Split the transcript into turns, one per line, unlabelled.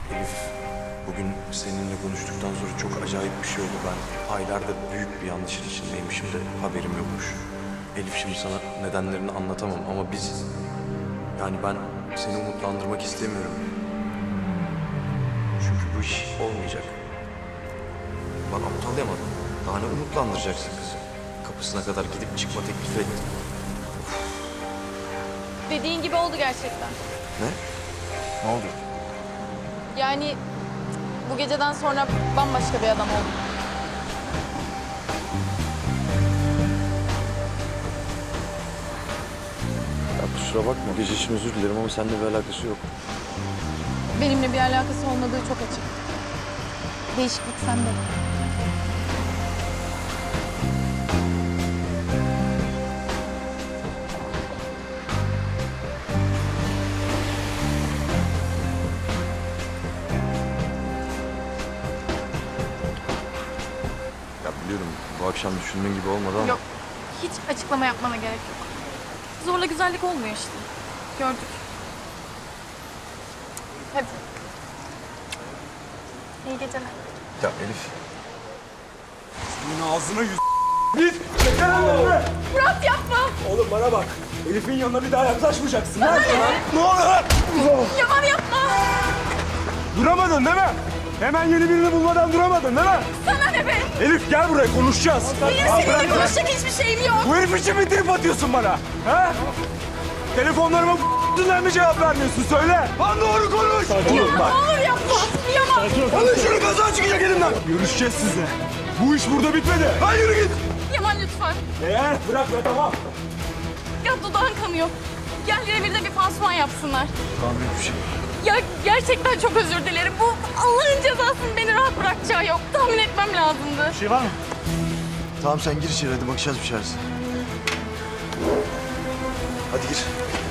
Elif, bugün seninle konuştuktan sonra çok acayip bir şey oldu. Ben aylardır büyük bir yanlışın içindeymişim de haberim yokmuş. Elif, şimdi sana nedenlerini anlatamam ama biz... Yani ben seni umutlandırmak istemiyorum. Çünkü bu iş olmayacak. Bak, aptal yaman. Daha ne umutlandıracaksın kızı? Kapısına kadar gidip çıkma teklifi ettim.
Dediğin gibi oldu gerçekten.
Ne? Ne oldu?
Yani bu geceden sonra bambaşka bir adam oldum.
Ya kusura bakma, gece için özür dilerim ama seninle bir alakası yok.
Benimle bir alakası olmadığı çok açık. Değişiklik sende.
Ya biliyorum, bu akşam düşündüğün gibi olmadı ama...
Yok, hiç açıklama yapmana gerek yok. Zorla güzellik olmuyor işte. Gördük. Hadi. İyi geceler.
Ya Elif,
Senin ağzına Git! Çekil önüme!
Murat yapma!
Oğlum bana bak. Elif'in yanına bir daha yaklaşmayacaksın. Lan sana. Ne olur!
Yaman yapma!
Duramadın değil mi? Hemen yeni birini bulmadan duramadın değil mi?
Sana ne be?
Elif gel buraya konuşacağız.
Benim
Al,
seninle
bırak lan.
konuşacak hiçbir şeyim yok.
Bu herif için mi trip atıyorsun bana? Ha? Telefonlarıma b***'den mi cevap vermiyorsun? Söyle. Lan doğru konuş.
Yaman ne olur yapma! Yaman!
Alın şunu, kaza çıkacak elimden. Görüşeceğiz sizle. Bu iş burada bitmedi. Lan yürü git.
Yaman lütfen.
Bırak be, tamam.
Ya dudağın kanıyor. Gel revirde bir pansuman yapsınlar.
tamam bir şey.
Ya gerçekten çok özür dilerim. Bu Allah'ın cezasının beni rahat bırakacağı yok. Tahmin etmem lazımdı.
Bir şey var mı?
Tamam sen gir içeri, hadi bakacağız bir şeyler. Hadi gir.